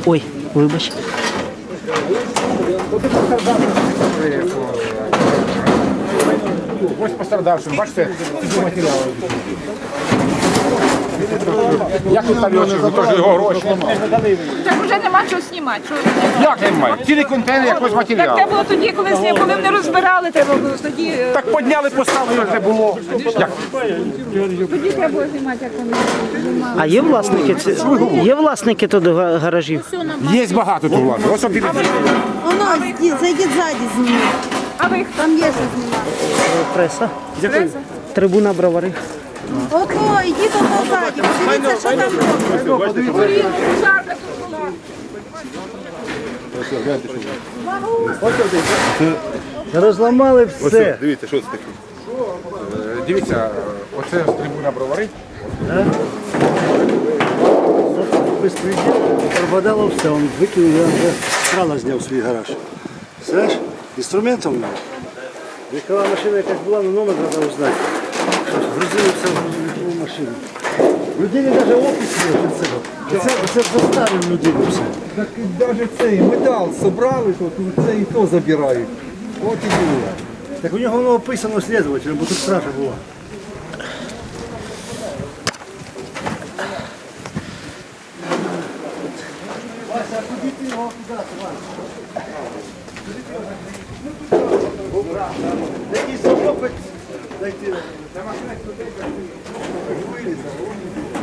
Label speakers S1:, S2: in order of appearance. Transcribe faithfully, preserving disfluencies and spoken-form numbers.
S1: Ой, вибач.
S2: Ось пострадавшим, бачите, ці матеріали. Як ви там його чули? Теж його гроші.
S3: Так вже нема чого знімати. Що...
S2: Як немає? Цілий контейнер якогось
S3: Так
S2: матеріалу.
S3: треба було тоді, коли зні- коли вони розбирали, треба було тоді. е,
S2: Так підняли, поставили, його ж не було. Як?
S3: Тоді треба було знімати, як вони знімали.
S1: А є власники? ці- Є власники тут га- гаражів?
S2: Є багато тут власне. Ось обіди.
S4: Воно, зайдіть, зайдіть ззаді зніміть.
S3: А ви хто?
S4: Там є що знімати.
S1: Преса.
S3: Преса?
S1: Трибуна бровари.
S4: Ото, йдіть ото ззаді, подивіться, що там робить.
S3: Горіло, пожарка тут була.
S1: Розламали все.
S2: Дивіться, що це таке. Дивіться, оце трибуна бровари.
S5: Безпреділ, пропадало все, він викинув, я вже крана зняв свій гараж. Знаєш, інструментом в нього. Вікова машина якась була, але номер треба узнати. Що ж, грузили все в грузовикову машину. Людині навіть опис є від цього. Це, це заставив людину все.
S6: Так навіть цей метал собрали, то це і то забирають. От і було.
S5: Так у нього воно описано слідувателем, бо тут кража була. Вася, а куди ти його куди, Вася? Якийсь хлопець зайти.